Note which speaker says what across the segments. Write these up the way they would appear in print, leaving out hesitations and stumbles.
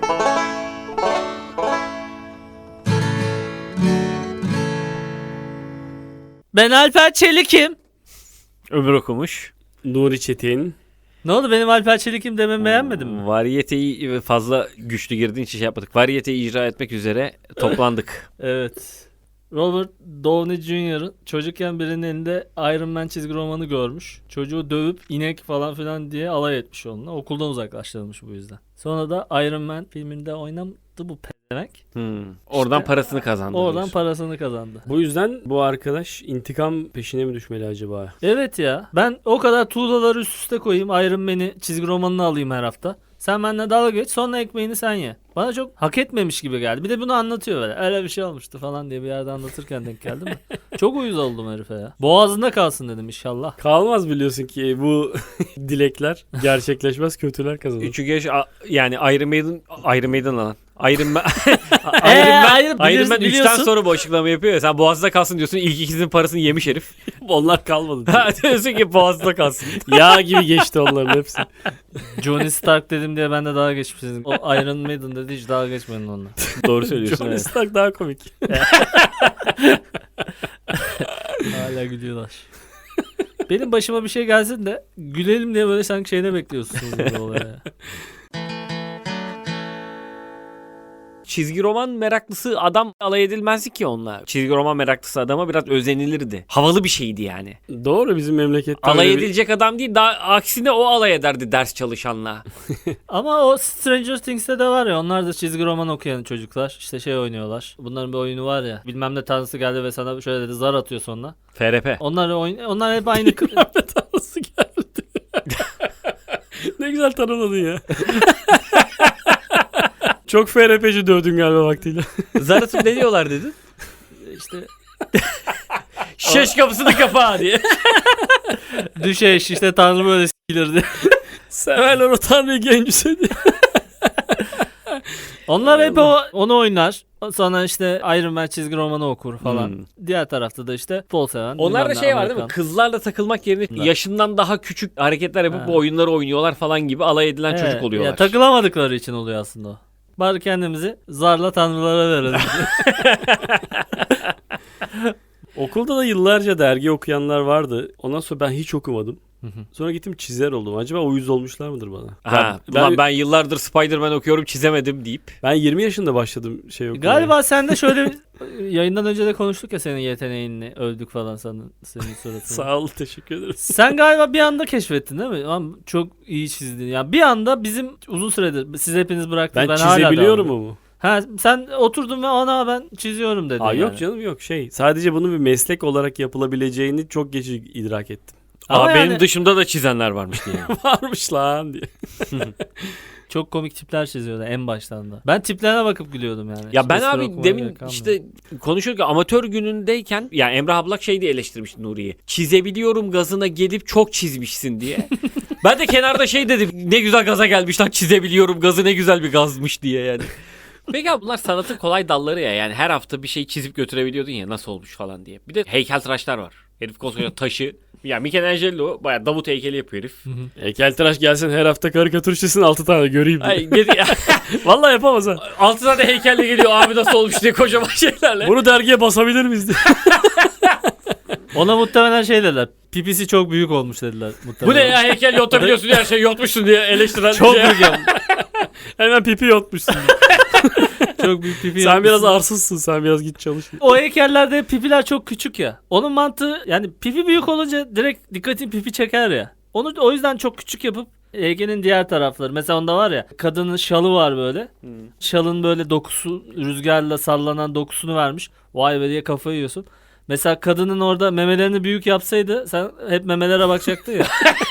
Speaker 1: Ben Alper Çelik'im.
Speaker 2: Ömür okumuş.
Speaker 3: Nuri Çetin.
Speaker 1: Ne oldu, benim Alper Çelik'im dememi beğenmedin mi?
Speaker 2: Variyeteyi fazla güçlü girdiğin için şey yapmadık. Variyeteyi icra etmek üzere toplandık.
Speaker 1: Evet. Robert Downey Jr. çocukken birinin elinde Iron Man çizgi romanı görmüş. Çocuğu dövüp inek falan filan diye alay etmiş onunla. Okuldan uzaklaştırılmış bu yüzden. Sonra da Iron Man filminde oynadı bu pedemek.
Speaker 2: Oradan
Speaker 1: İşte
Speaker 2: parasını kazandı.
Speaker 1: Oradan
Speaker 2: diyorsun.
Speaker 1: parasını kazandı.
Speaker 3: Bu yüzden bu arkadaş intikam peşine mi düşmeli acaba?
Speaker 1: Evet ya. Ben o kadar tuğlaları üst üste koyayım. Iron Man'i çizgi romanını alayım her hafta. Sen benimle dalga geç, sonra ekmeğini sen ye. Bana çok hak etmemiş gibi geldi. Bir de bunu anlatıyor böyle. Öyle bir şey olmuştu falan diye bir yerde anlatırken denk geldi mi? Çok uyuz oldum herife ya. Boğazında kalsın dedim inşallah.
Speaker 3: Kalmaz biliyorsun ki bu dilekler gerçekleşmez, kötüler kazanır.
Speaker 2: Çünkü yani Iron Maiden lan. Iron Man
Speaker 1: hayır,
Speaker 2: Iron Man 3'ten
Speaker 1: biliyorsun.
Speaker 2: sonra bu açıklama yapıyor ya. Sen boğazda kalsın diyorsun. İlk ikisinin parasını yemiş herif.
Speaker 3: Onlar kalmadı.
Speaker 2: Diyorsun ki boğazda kalsın.
Speaker 3: Yağ gibi geçti onların hepsi.
Speaker 1: Johnny Stark dedim diye ben de dalga geçmişsiniz. O Iron Maiden dedi, hiç dalga geçmeyin onunla.
Speaker 2: Doğru söylüyorsun.
Speaker 3: Johnny
Speaker 2: Evet.
Speaker 3: Stark daha komik.
Speaker 1: Hala gülüyorlar. Benim başıma bir şey gelsin de gülelim diye böyle sanki şeyde bekliyorsunuz gibi olaya.
Speaker 2: Çizgi roman meraklısı adam alay edilmezdi ki onunla. Çizgi roman meraklısı adama biraz özenilirdi. Havalı bir şeydi yani.
Speaker 3: Doğru, bizim memlekette
Speaker 2: Alay
Speaker 3: öyle bir-
Speaker 2: edilecek adam değil, daha aksine o alay ederdi ders çalışanla.
Speaker 1: Ama o Stranger Things'te de var ya, onlar da çizgi roman okuyan çocuklar. İşte şey oynuyorlar. Bunların bir oyunu var ya. Bilmem ne tanrısı geldi ve sana şöyle dedi, zar atıyor sonra.
Speaker 2: FRP.
Speaker 1: Onlar hep aynı.
Speaker 3: Nasıl geldi? Ne güzel tanımladın ya. Çok FRP'ci dövdün galiba vaktiyle.
Speaker 2: Zar atıp ne diyorlar dedin?
Speaker 1: işte
Speaker 2: Şeş kapısını kapa diye.
Speaker 1: düşeş işte tanrı böyle s**ilirdi.
Speaker 3: Severler o tanrıyı gencüse diye.
Speaker 1: Onlar hep onu oynar. Sonra işte Iron Man çizgi romanı okur falan. Diğer tarafta da işte futbol seven.
Speaker 2: Onlarda
Speaker 1: bilmem ne,
Speaker 2: şey var değil mi?
Speaker 1: Amerikan.
Speaker 2: Kızlarla takılmak yerine
Speaker 1: Bunlar.
Speaker 2: yaşından daha küçük hareketler yapıp
Speaker 1: Ha.
Speaker 2: bu oyunları oynuyorlar falan gibi alay edilen çocuk
Speaker 1: Evet,
Speaker 2: oluyorlar.
Speaker 1: ya takılamadıkları için oluyor aslında o. Bari kendimizi zarla tanrılara verelim.
Speaker 3: Okulda da yıllarca dergi okuyanlar vardı. Ondan sonra ben hiç okumadım. Sonra gittim çizer oldum. Acaba uyuz olmuşlar mıdır bana?
Speaker 2: Ben yıllardır Spider-Man okuyorum çizemedim deyip.
Speaker 3: Ben 20 yaşında başladım şey okumaya.
Speaker 1: Galiba sen de şöyle yayından önce de konuştuk ya, senin yeteneğini övdük falan senin suratını.
Speaker 3: Sağ ol, teşekkür ederim.
Speaker 1: Sen galiba bir anda keşfettin değil mi? Ama çok iyi çizdin. Yani bir anda bizim uzun süredir siz hepiniz bıraktınız.
Speaker 3: Ben
Speaker 1: hala
Speaker 3: çizebiliyorum
Speaker 1: devam
Speaker 3: mu?
Speaker 1: Ha, sen oturdun ve ana ben çiziyorum dedin.
Speaker 3: Aa,
Speaker 1: yani.
Speaker 3: yok canım, yok şey. Sadece bunun bir meslek olarak yapılabileceğini çok geç idrak ettim.
Speaker 1: Ama yani
Speaker 2: benim dışımda da çizenler varmış diye.
Speaker 3: Varmış lan diye.
Speaker 1: çok komik tipler çiziyordu en baştan da. Ben tiplerine bakıp gülüyordum yani.
Speaker 2: Ya ben
Speaker 1: Hiç
Speaker 2: abi
Speaker 1: okumaya
Speaker 2: demin
Speaker 1: gerek kalmadı.
Speaker 2: işte konuşurken amatör günündeyken ya Emrah Ablak şey diye eleştirmişti Nuri'yi. Çizebiliyorum gazına gelip çok çizmişsin diye. Ben de kenarda şey dedim, ne güzel gaza gelmiş lan, çizebiliyorum gazı, ne güzel bir gazmış diye yani. Peki abi bunlar sanatın kolay dalları ya, yani her hafta bir şey çizip götürebiliyordun ya, nasıl olmuş falan diye. Bir de heykeltıraşlar var. Herif koskoca taşı. Ya Michelangelo bayağı Davut heykeli yapıyor herif.
Speaker 3: Heykeltıraş gelsin her hafta karikatür çizsin 6 tane göreyim diye.
Speaker 2: Ay,
Speaker 3: Vallahi yapamaz ha.
Speaker 2: altı tane heykelle geliyor abi nasıl olmuş diye kocaman şeylerle.
Speaker 3: Bunu dergiye basabilir miyiz diye.
Speaker 1: Ona muhtemelen şey dediler. Pipisi çok büyük olmuş dediler.
Speaker 2: Bu ne ya, heykel yontabiliyorsun her şeyi yontmuşsun diye eleştiren
Speaker 1: Çok
Speaker 2: şey.
Speaker 1: büyük yapmış.
Speaker 3: Hemen pipi yotmuşsun.
Speaker 1: Çok büyük pipi
Speaker 3: Sen
Speaker 1: yapmışsın.
Speaker 3: biraz arsızsın, sen biraz git çalış.
Speaker 1: O heykellerde pipiler çok küçük ya. Onun mantığı yani pipi büyük olunca direkt dikkatin pipi çeker ya. Onu o yüzden çok küçük yapıp heykelin diğer tarafları. Mesela onda var ya, kadının şalı var böyle. Şalın böyle dokusu, rüzgarla sallanan dokusunu vermiş. Vay be diye kafayı yiyorsun. Mesela kadının orada memelerini büyük yapsaydı sen hep memelere bakacaktın ya.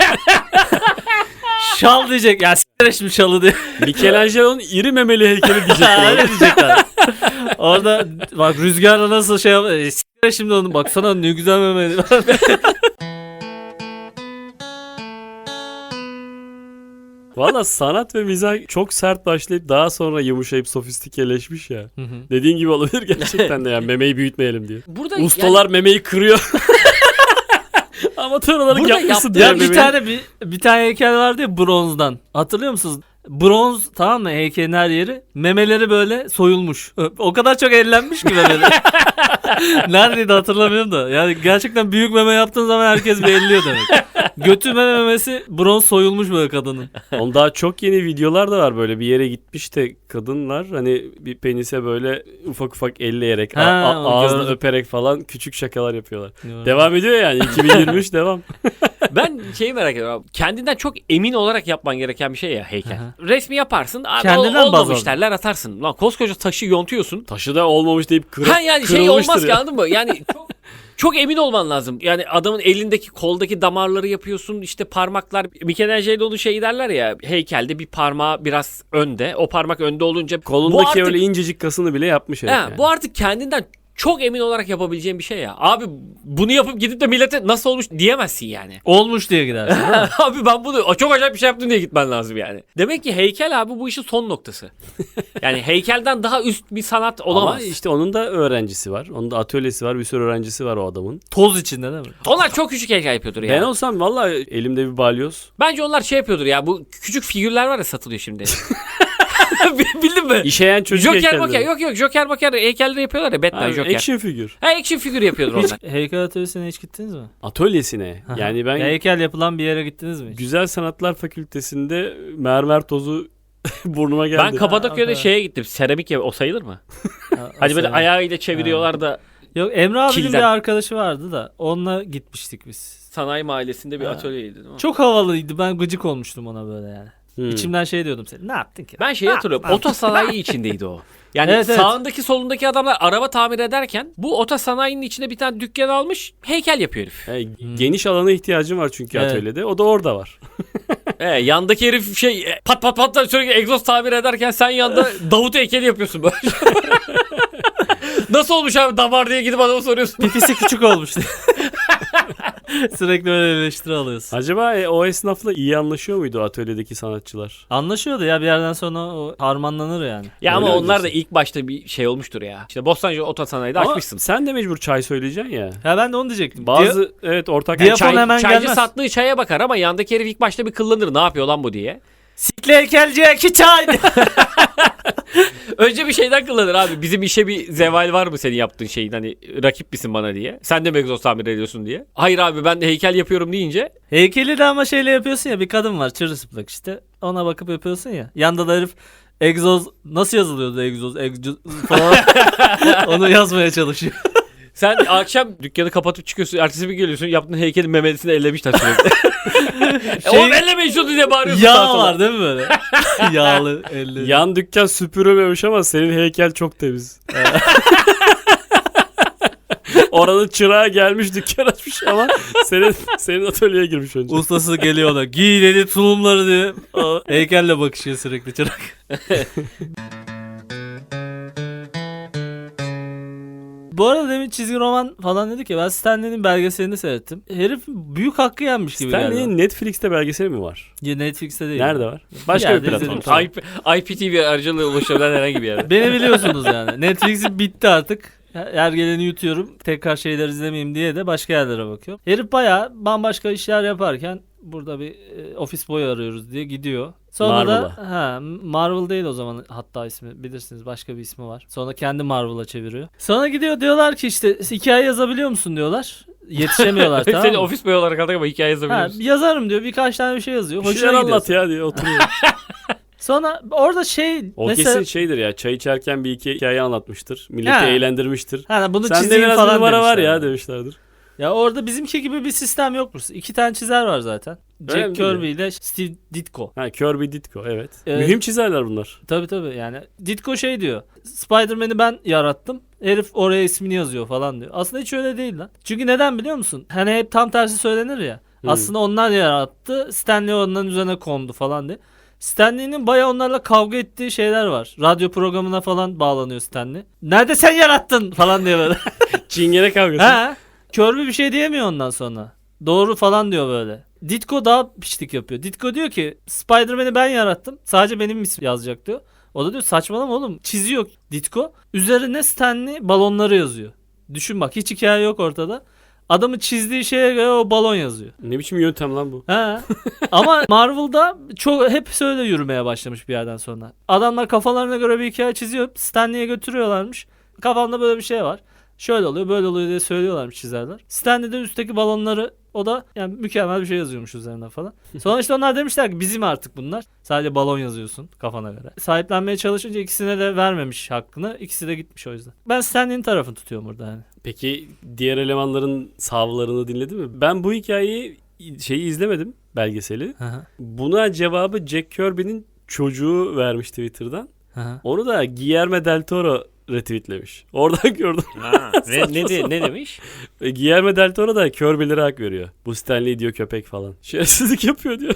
Speaker 1: Şal diyecek ya, s**tir şimdi şalı diye.
Speaker 3: Michelangelo'nun iri memeli heykeli diyecekler.
Speaker 1: Öyle diyecekler. Orada bak rüzgarla nasıl şey yap. S**tir şimdi onu, baksana ne güzel memeli.
Speaker 3: Valla sanat ve mizah çok sert başlayıp daha sonra yumuşayıp sofistikeleşmiş ya. Dediğin gibi olabilir gerçekten de, yani memeyi büyütmeyelim diye.
Speaker 2: Burada
Speaker 3: Ustalar memeyi kırıyor. Amatör olarak
Speaker 2: Burada
Speaker 3: yapmışsın
Speaker 2: yap-
Speaker 3: diye
Speaker 1: Ya bir
Speaker 3: memeyi.
Speaker 1: tane bir tane heykel vardı ya bronzdan. Hatırlıyor musunuz? Bronz, tamam mı, heykelin her yeri. Memeleri böyle soyulmuş. O kadar çok ellenmiş ki memeleri. Neredeydi hatırlamıyorum da. Yani gerçekten büyük meme yaptığın zaman herkes bir elliyor demek. Götü memesi bronz soyulmuş böyle kadının.
Speaker 3: Onun daha çok yeni videolar da var, böyle bir yere gitmiş de kadınlar hani bir penise böyle ufak ufak elleyerek ağzını
Speaker 1: gördüm.
Speaker 3: öperek falan küçük şakalar yapıyorlar. Devam ediyor yani 2023 devam.
Speaker 2: Ben şeyi merak ediyorum. Kendinden çok emin olarak yapman gereken bir şey ya heykel.
Speaker 1: Aha.
Speaker 2: Resmi yaparsın. Abi
Speaker 1: Kendinden baz
Speaker 2: olmamış
Speaker 1: al.
Speaker 2: derler, atarsın. Lan koskoca taşı yontuyorsun.
Speaker 3: Taşı da olmamış deyip
Speaker 2: Ha yani şey olmaz
Speaker 3: kırılmıştır
Speaker 2: ki,
Speaker 3: ya.
Speaker 2: anladın mı? Yani çok emin olman lazım. Yani adamın elindeki, koldaki damarları yapıyorsun. İşte parmaklar. Michelangelo'nun şeyi derler ya. Heykelde bir parmağı biraz önde. O parmak önde olunca
Speaker 3: Kolundaki
Speaker 2: bu artık,
Speaker 3: öyle incecik kasını bile yapmış herif yani.
Speaker 2: bu artık kendinden çok emin olarak yapabileceğin bir şey ya. Abi bunu yapıp gidip de millete nasıl olmuş diyemezsin yani.
Speaker 1: Olmuş diye gidersin.
Speaker 2: Abi ben bunu çok acayip bir şey yaptım diye gitmen lazım yani. Demek ki heykel abi bu işin son noktası. Yani heykelden daha üst bir sanat olamaz.
Speaker 3: Ama işte onun da öğrencisi var. Onun da atölyesi var. Bir sürü öğrencisi var o adamın.
Speaker 1: Toz içinde değil mi?
Speaker 2: Onlar çok küçük heykel yapıyordur ya.
Speaker 3: Ben olsam vallahi elimde bir balyoz.
Speaker 2: Bence onlar şey yapıyordur ya, bu küçük figürler var ya satılıyor şimdi. Bildin mi?
Speaker 3: İşeyen çocuk
Speaker 2: Joker
Speaker 3: heykelleri.
Speaker 2: Maker, yok Joker Maker heykelleri yapıyorlar ya, Batman
Speaker 3: Ha,
Speaker 2: Joker.
Speaker 3: action figür.
Speaker 2: Ha, action figür yapıyordur onlar.
Speaker 1: Heykel atölyesine hiç gittiniz mi?
Speaker 3: Atölyesine. Yani ben
Speaker 1: Ya heykel yapılan bir yere gittiniz mi hiç?
Speaker 3: Güzel Sanatlar Fakültesi'nde mermer tozu burnuma geldi.
Speaker 2: Ben Kapadokya'da
Speaker 1: Ha,
Speaker 2: şeye gittim. Seramik o sayılır mı?
Speaker 1: Ha,
Speaker 2: Hani böyle
Speaker 1: mesela-
Speaker 2: ayağıyla çeviriyorlar da
Speaker 1: Yok, Emre abinin
Speaker 2: Kilden.
Speaker 1: bir arkadaşı vardı da onunla gitmiştik biz.
Speaker 2: sanayi mahallesinde bir
Speaker 1: Ha.
Speaker 2: atölyeydi değil mi?
Speaker 1: Çok havalıydı. Ben gıcık olmuştum ona böyle yani.
Speaker 3: Hmm.
Speaker 1: İçimden şey diyordum, sen ne yaptın ki?
Speaker 2: Ben şeyi hatırlıyorum. Oto sanayi içindeydi o. Yani
Speaker 1: Evet, evet.
Speaker 2: sağındaki solundaki adamlar araba tamir ederken bu oto sanayinin içinde bir tane dükkan almış, heykel yapıyor herif.
Speaker 3: Geniş alana ihtiyacım var çünkü
Speaker 1: Evet.
Speaker 3: atölyede. O da orada var.
Speaker 2: Yandaki herif pat pat pat da sürekli egzoz tamir ederken sen yanda Davut heykeli yapıyorsun böyle. Nasıl olmuş abi damar diye gidip adama soruyorsun.
Speaker 1: Pipisi küçük olmuş diye. Sürekli öyle eleştiri alıyorsun.
Speaker 3: Acaba o esnafla iyi anlaşıyor muydu o atölyedeki sanatçılar?
Speaker 1: Anlaşıyordu ya, bir yerden sonra o harmanlanır yani.
Speaker 2: Ya ama
Speaker 3: Öyle
Speaker 2: onlar da
Speaker 3: diyorsun.
Speaker 2: ilk başta bir şey olmuştur ya. İşte Bostancı oto sanayide
Speaker 3: Ama
Speaker 2: açmışsın.
Speaker 3: sen de mecbur çay söyleyeceksin ya.
Speaker 1: Ya ben de onu diyecektim.
Speaker 3: Bazı evet ortak
Speaker 1: Diyafon hemen
Speaker 2: Çaycı
Speaker 1: gelmez.
Speaker 2: sattığı çaya bakar ama yandaki herif ilk başta bir kıllanır. Ne yapıyor lan bu diye.
Speaker 1: Sikli heykelciye 2 çay.
Speaker 2: Önce bir şeyden kullanır abi. Bizim işe bir zeval var mı senin yaptığın şeyin, hani rakip misin bana diye. Sen de mi egzoz tamir ediyorsun diye. Hayır abi ben de heykel yapıyorum deyince.
Speaker 1: Heykeli de ama şeyle yapıyorsun ya, bir kadın var çırılçıplak işte. Ona bakıp yapıyorsun ya. Yanda da herif egzoz nasıl yazılıyordu, egzoz falan. Onu yazmaya çalışıyor.
Speaker 2: Sen akşam dükkanı kapatıp çıkıyorsun. Ertesi bir geliyorsun, yaptığın heykelin memesini ellemişler sürekli. Oğlum ellemeyin şunu diye bağırıyorsun. sağa
Speaker 1: Yağ
Speaker 2: sola.
Speaker 1: var değil mi böyle? Yağlı elleri.
Speaker 3: yan dükkan süpürülmemiş ama senin heykel çok temiz. Oranın çırağı gelmiş dükkan açmış ama senin atölyeye girmiş önce.
Speaker 1: Ustası geliyor ona. Giy dedi tulumları diye. O heykelle bakışıyor sürekli çırak. Bu arada demin çizgi roman falan dedik ya, ben Stanley'nin belgeselini seyrettim. Herif büyük hakkı yenmiş gibi geldi.
Speaker 3: Stanley'in Netflix'te belgeseli mi var?
Speaker 1: Ya Netflix'te değil.
Speaker 3: Nerede var? Başka
Speaker 1: yerde
Speaker 3: bir platform.
Speaker 1: izledim. Tamam.
Speaker 2: IPTV aracılığıyla ulaşabilen herhangi bir yere.
Speaker 1: Beni biliyorsunuz yani. Netflix'in bitti artık. Her geleni yutuyorum. Tekrar şeyler izlemeyeyim diye de başka yerlere bakıyorum. Herif bayağı bambaşka işler yaparken burada bir ofis boy arıyoruz diye gidiyor. Sonra da Marvel değil o zaman, hatta ismi bilirsiniz, başka bir ismi var. Sonra kendi Marvel'a çeviriyor. Sonra gidiyor, diyorlar ki işte hikaye yazabiliyor musun diyorlar. Yetişemiyorlar tamam
Speaker 2: Seni
Speaker 1: mı?
Speaker 2: ofis boy olarak aldık ama hikaye yazabiliyor musun?
Speaker 1: Yazarım diyor, birkaç tane bir şey yazıyor.
Speaker 3: Bir şeyler
Speaker 1: Hoşuna gidiyor.
Speaker 3: anlat ya diye oturuyor.
Speaker 1: Sonra orada
Speaker 3: O
Speaker 1: mesela
Speaker 3: kesin şeydir ya, çay içerken bir iki hikaye anlatmıştır. Milleti
Speaker 1: Ha.
Speaker 3: eğlendirmiştir.
Speaker 1: bunu
Speaker 3: Sende
Speaker 1: çizeyim
Speaker 3: biraz
Speaker 1: falan
Speaker 3: numara var
Speaker 1: demişler.
Speaker 3: ya demişlerdir.
Speaker 1: Ya orada bizimki gibi bir sistem yokmuş. 2 tane çizer var zaten.
Speaker 3: Öyle
Speaker 1: Jack
Speaker 3: mi?
Speaker 1: Kirby ile Steve Ditko.
Speaker 3: Ha, Kirby Ditko evet.
Speaker 1: Evet.
Speaker 3: Mühim çizerler bunlar.
Speaker 1: Tabii yani. Ditko şey diyor. Spider-Man'i ben yarattım. Herif oraya ismini yazıyor falan diyor. Aslında hiç öyle değil lan. Çünkü neden biliyor musun? Hani hep tam tersi söylenir ya. Aslında onlar yarattı. Stanley onların üzerine kondu falan diye. Stanley'nin bayağı onlarla kavga ettiği şeyler var. Radyo programına falan bağlanıyor Stanley. Nerede sen yarattın falan diye böyle.
Speaker 3: Çingene kavgası.
Speaker 1: Ha? Kirby bir şey diyemiyor ondan sonra. Doğru falan diyor böyle. Ditko daha piştik yapıyor. Ditko diyor ki Spider-Man'i ben yarattım. Sadece benim ismim yazacak diyor. O da diyor saçmalama oğlum. Çiziyor Ditko. Üzerine Stanley balonları yazıyor. Düşün bak, hiç hikaye yok ortada. Adamın çizdiği şeye göre o balon yazıyor.
Speaker 3: Ne biçim yöntem lan bu?
Speaker 1: He. Ama Marvel'da çok hep öyle yürümeye başlamış bir yerden sonra. Adamlar kafalarına göre bir hikaye çiziyor. Stan Lee'ye götürüyorlarmış. Kafamda böyle bir şey var. Şöyle oluyor, böyle oluyor diye söylüyorlarmış çizerler. Stan Lee de üstteki balonları, o da yani mükemmel bir şey yazıyormuş üzerine falan. Sonra işte onlar demişler ki bizim artık bunlar. Sadece balon yazıyorsun kafana göre. Sahiplenmeye çalışınca ikisine de vermemiş hakkını. İkisi de gitmiş o yüzden. Ben Stan Lee'nin tarafını tutuyorum burada yani.
Speaker 3: Peki diğer elemanların savlarını dinledin mi? Ben bu hikayeyi izlemedim, belgeseli.
Speaker 1: Hı hı.
Speaker 3: Buna cevabı Jack Kirby'nin çocuğu vermiş Twitter'dan.
Speaker 1: Hı hı.
Speaker 3: Onu da Guillermo del Toro retweetlemiş. Oradan gördüm.
Speaker 2: Ha, ne demiş?
Speaker 3: Guillermo del Toro da Kirby'lere hak veriyor. Bu Stanley diyor köpek falan. Şerefsizlik yapıyor diyor.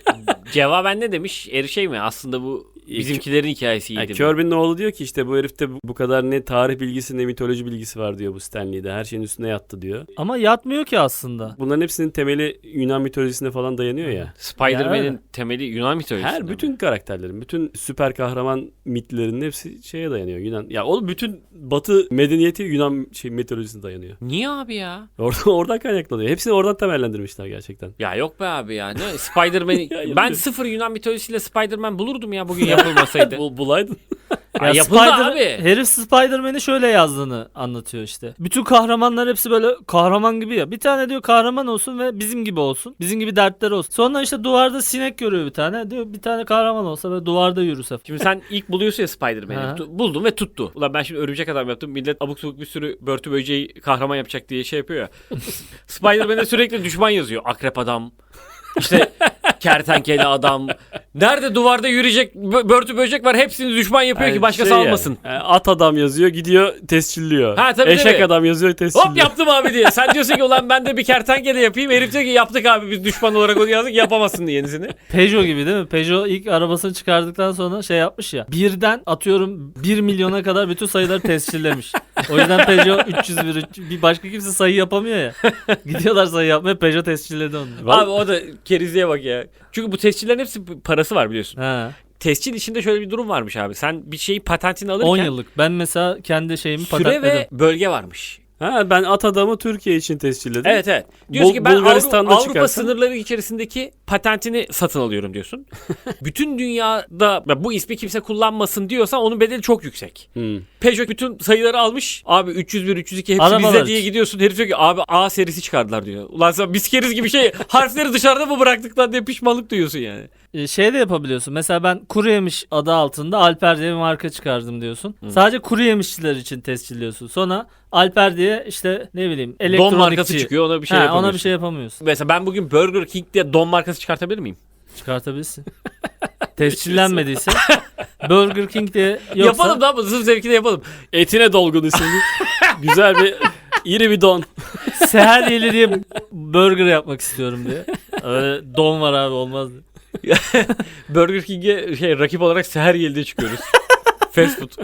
Speaker 2: Cevaben ne demiş? Şey mi? Aslında bu bizimkilerin hikayesiydi.
Speaker 3: Yani
Speaker 2: mi?
Speaker 3: Kirby'nin oğlu diyor ki işte bu herifte bu kadar ne tarih bilgisi ne mitoloji bilgisi var diyor bu Stanley'de. Her şeyin üstüne yattı diyor.
Speaker 1: Ama yatmıyor ki aslında.
Speaker 3: Bunların hepsinin temeli Yunan mitolojisine falan dayanıyor ya.
Speaker 2: Spider-Man'in
Speaker 1: Yani.
Speaker 2: temeli Yunan mitolojisi.
Speaker 3: Her bütün karakterlerin, bütün süper kahraman mitlerinin hepsi şeye dayanıyor. Yunan. Ya o bütün Batı medeniyeti Yunan mitolojisine dayanıyor.
Speaker 2: Niye abi ya?
Speaker 3: Oradan kaynaklanıyor. Hepsini oradan temellendirmişler gerçekten.
Speaker 2: Ya yok be abi ya. Ne Spider-Man
Speaker 3: Ya,
Speaker 2: ben sıfır Yunan mitolojisiyle Spider-Man bulurdum ya bugün yapılmasaydı.
Speaker 3: Bulaydın.
Speaker 2: Ya yapıldı abi.
Speaker 1: Herif Spider-Man'i şöyle yazdığını anlatıyor işte. Bütün kahramanlar hepsi böyle kahraman gibi ya. Bir tane diyor kahraman olsun ve bizim gibi olsun. Bizim gibi dertleri olsun. Sonra işte duvarda sinek görüyor bir tane. Diyor bir tane kahraman olsa ve duvarda yürüse.
Speaker 2: Şimdi sen ilk buluyorsun ya
Speaker 1: Ha.
Speaker 2: Spider-Man'i. Buldun ve tuttu. Ulan ben şimdi örümcek adam yaptım. Millet abuk sabuk bir sürü börtü böceği kahraman yapacak diye şey yapıyor ya. Spider-Man'e sürekli düşman yazıyor. Akrep adam. İşte kertenkele adam. Nerede duvarda yürüyecek börtü böcek var. Hepsini düşman yapıyor ki başkası almasın.
Speaker 3: Yani, at adam yazıyor gidiyor tescilliyor.
Speaker 2: Ha, tabii,
Speaker 3: Eşek
Speaker 2: tabii.
Speaker 3: adam yazıyor tescilliyor.
Speaker 2: Hop yaptım abi diye. Sen diyorsun ki ulan ben de bir kertenkele yapayım. Herif diyor ki yaptık abi biz düşman olarak onu yazdık yapamazsın diye yenisini.
Speaker 1: Peugeot gibi değil mi? Peugeot ilk arabasını çıkardıktan sonra şey yapmış ya. Birden atıyorum 1 milyona kadar bütün sayıları tescillemiş. O yüzden Peugeot 301 bir başka kimse sayı yapamıyor ya. Gidiyorlar sayı yapmaya, Peugeot tescilledi onu.
Speaker 2: Abi o da kerizliğe bak ya. Çünkü bu tescillerin hepsi parası var biliyorsun.
Speaker 1: Ha.
Speaker 2: Tescil içinde şöyle bir durum varmış abi. Sen bir şeyi patentini alırken
Speaker 1: 10 yıllık. Ben mesela kendi şeyimi
Speaker 2: süre
Speaker 1: patentledim.
Speaker 2: ve bölge varmış.
Speaker 3: Ha, ben at adamı Türkiye için tescilledim.
Speaker 2: Evet evet. Diyorsun ki ben
Speaker 3: Bulgaristan'da
Speaker 2: Avrupa
Speaker 3: çıkarsan-
Speaker 2: sınırları içerisindeki patentini satın alıyorum diyorsun. Bütün dünyada ya bu ismi kimse kullanmasın diyorsan onun bedeli çok yüksek. Peugeot bütün sayıları almış. Abi 301, 302 hepsi
Speaker 1: Arabalar
Speaker 2: bizde diye
Speaker 1: için.
Speaker 2: gidiyorsun. Herif diyor ki abi A serisi çıkardılar diyor. Ulan sen biz keriz gibi şey harfleri dışarıda mı bıraktık lan diye pişmanlık duyuyorsun yani.
Speaker 1: Şey de yapabiliyorsun. Mesela ben kuru yemiş adı altında Alper diye bir marka çıkardım diyorsun. Sadece kuru yemişçiler için tescilliyorsun. Sonra Alper diye işte ne bileyim elektronikçi.
Speaker 2: Don markası çıkıyor ona bir şey yapamıyorsun.
Speaker 1: Ona bir şey yapamıyorsun.
Speaker 2: Mesela ben bugün Burger King diye don markası çıkartabilir miyim?
Speaker 1: Çıkartabilirsin. Tescillenmediyse Burger King diye yoksa
Speaker 2: Yapalım da sırf zevkine yapalım.
Speaker 3: Etine dolgun isimli. Güzel bir iri bir don.
Speaker 1: Seher Yeli diye burger yapmak istiyorum diye. Öyle don var abi olmaz diye.
Speaker 2: Burger King'e rakip olarak seher yelde çıkıyoruz. Fast food.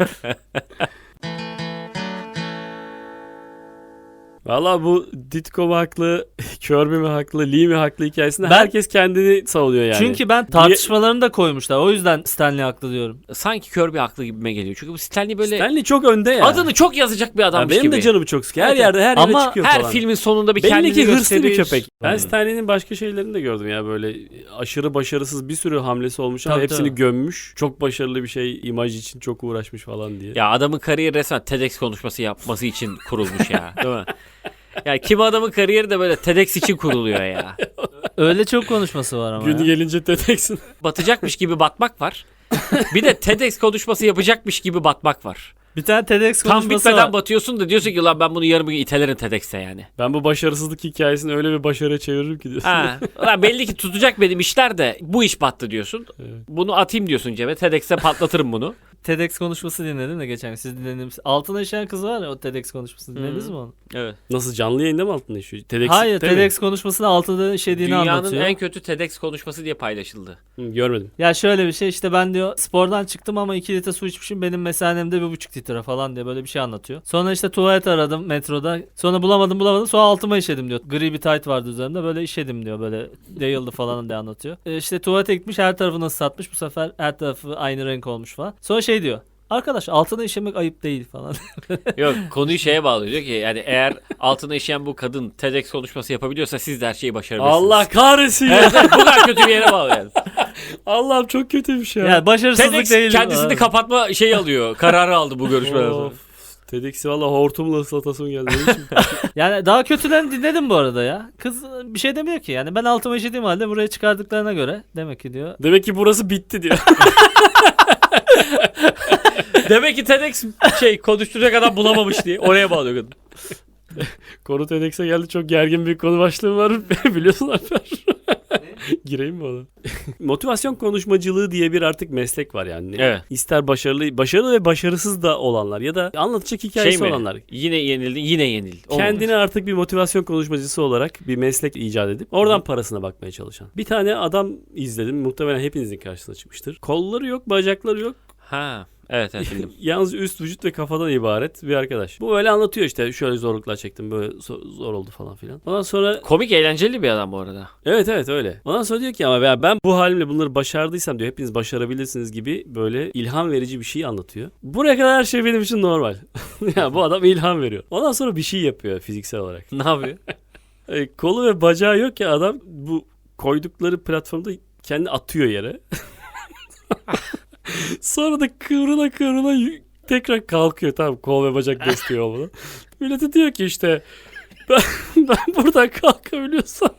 Speaker 3: Valla bu Ditko mu haklı, Kirby mi haklı, Lee mi haklı hikayesinde
Speaker 1: Ben-
Speaker 3: herkes kendini savunuyor yani.
Speaker 1: Çünkü ben tartışmalarını da koymuşlar. O yüzden Stanley haklı diyorum.
Speaker 2: Sanki Kirby haklı gibime geliyor. Çünkü bu Stanley böyle
Speaker 3: Stanley çok önde ya.
Speaker 2: adını çok yazacak bir
Speaker 3: Ya
Speaker 2: adammış
Speaker 3: benim
Speaker 2: gibi.
Speaker 3: de canımı çok sıkıyor. Her
Speaker 2: Evet,
Speaker 3: yerde her
Speaker 1: ama
Speaker 3: yere çıkıyor
Speaker 2: her
Speaker 3: falan.
Speaker 2: filmin sonunda bir
Speaker 3: Belli
Speaker 2: kendini
Speaker 3: ki hırslı bir
Speaker 2: gösterir.
Speaker 3: köpek. Ben
Speaker 1: Hmm.
Speaker 3: Stanley'nin başka şeylerini de gördüm ya böyle aşırı başarısız bir sürü hamlesi olmuş ama
Speaker 1: Tabii,
Speaker 3: hepsini
Speaker 1: tabii.
Speaker 3: gömmüş. Çok başarılı bir şey imaj için çok uğraşmış falan diye.
Speaker 2: Ya adamın kariyeri resmen TEDx konuşması yapması için kurulmuş ya. Değil mi? Ya kim adamın kariyeri de böyle TEDx için kuruluyor ya.
Speaker 1: Öyle çok konuşması var ama
Speaker 3: Gün
Speaker 1: ya.
Speaker 3: gelince teteksin.
Speaker 2: Batacakmış gibi batmak var. Bir de TEDx konuşması yapacakmış gibi batmak var.
Speaker 1: Bir tane TEDx
Speaker 2: Tam
Speaker 1: konuşması
Speaker 2: bitmeden
Speaker 1: var.
Speaker 2: batıyorsun da diyorsun ki lan ben bunu yarım gün itelerim TEDx'e yani.
Speaker 3: Ben bu başarısızlık hikayesini öyle bir başarıya çeviririm ki diyorsun.
Speaker 2: Ha, ulan belli ki tutacak benim işler de bu iş battı diyorsun.
Speaker 3: Evet.
Speaker 2: Bunu atayım diyorsun cebe. TEDx'e patlatırım bunu.
Speaker 1: TEDx konuşması dinledim de geçen gün. Siz dinlediniz. Altına işeyen kız var ya o TEDx konuşmasını dinlediniz mi onu?
Speaker 2: Evet.
Speaker 3: Nasıl canlı yayında mı altında işiyor? TEDx,
Speaker 1: Hayır
Speaker 3: değil mi?
Speaker 1: TEDx konuşmasını altında işediğini
Speaker 2: Dünyanın
Speaker 1: anlatıyor.
Speaker 2: en kötü TEDx konuşması diye paylaşıldı.
Speaker 3: Görmedim.
Speaker 1: Ya şöyle bir şey işte ben diyor spordan çıktım ama 2 litre su içmişim benim mesanemde 1,5 litre falan diye böyle bir şey anlatıyor. Sonra işte tuvalet aradım metroda. Sonra bulamadım sonra altıma işedim diyor. Gri bir tayt vardı üzerimde böyle işedim diyor böyle yayıldı falan diye anlatıyor. İşte tuvalete gitmiş her tarafını ıslatmış bu sefer her tarafı aynı renk olmuş falan. Sonra şey diyor. Arkadaş altına işemek ayıp değil falan.
Speaker 2: Yok, konuyu şeye bağlıyor. Diyor ki yani eğer altına işeyen bu kadın TEDx konuşması yapabiliyorsa siz de her şeyi başarabilirsiniz.
Speaker 3: Allah kahretsin ya.
Speaker 2: Evet, evet, bu kadar kötü bir yere bağlı yani.
Speaker 3: Allah'ım çok kötüymüş ya.
Speaker 1: Yani başarısızlık
Speaker 2: TEDx
Speaker 1: değil.
Speaker 2: kendisini kapatma şeyi alıyor. Kararı aldı bu görüşmeden sonra.
Speaker 3: Of. TEDx'i valla hortumla ıslatasım geldi. Ne biçim?
Speaker 1: Yani daha kötülerini dinledim bu arada ya. Kız bir şey demiyor ki yani ben altıma işediğim halde buraya çıkardıklarına göre demek ki diyor.
Speaker 3: Demek ki burası bitti diyor.
Speaker 2: Demek ki TEDx konuşturacak adam bulamamış diye oraya bağlıyor kadın.
Speaker 3: Konu TEDx'e geldi. Çok gergin bir konu başlığı var. Biliyorsun Alper. Gireyim mi ona? Motivasyon konuşmacılığı diye bir artık meslek var yani.
Speaker 2: Evet.
Speaker 3: İster başarılı ve başarısız da olanlar ya da anlatacak hikayesi olanlar.
Speaker 2: Yine yenildin, yine yenil.
Speaker 3: Kendini artık bir motivasyon konuşmacısı olarak bir meslek icat edip oradan parasına bakmaya çalışan. Bir tane adam izledim. Muhtemelen hepinizin karşısına çıkmıştır. Kolları yok, bacakları yok.
Speaker 2: Ha. Evet bildim.
Speaker 3: Yalnız üst vücut ve kafadan ibaret bir arkadaş. Bu öyle anlatıyor işte. Şöyle zorluklar çektim. Böyle zor oldu falan filan. Ondan sonra
Speaker 2: Komik, eğlenceli bir adam bu arada.
Speaker 3: evet öyle. Ondan sonra diyor ki ama ben bu halimle bunları başardıysam diyor hepiniz başarabilirsiniz gibi böyle ilham verici bir şey anlatıyor. Buraya kadar her şey benim için normal. Ya bu adam ilham veriyor. Ondan sonra bir şey yapıyor fiziksel olarak.
Speaker 2: Ne yapıyor?
Speaker 3: Kolu ve bacağı yok ya adam bu koydukları platformda kendi atıyor yere. Sonra da kıvrıla tekrar kalkıyor. Tamam, kol ve bacak besliyor bunu. Millete diyor ki işte ben buradan kalkabiliyorsam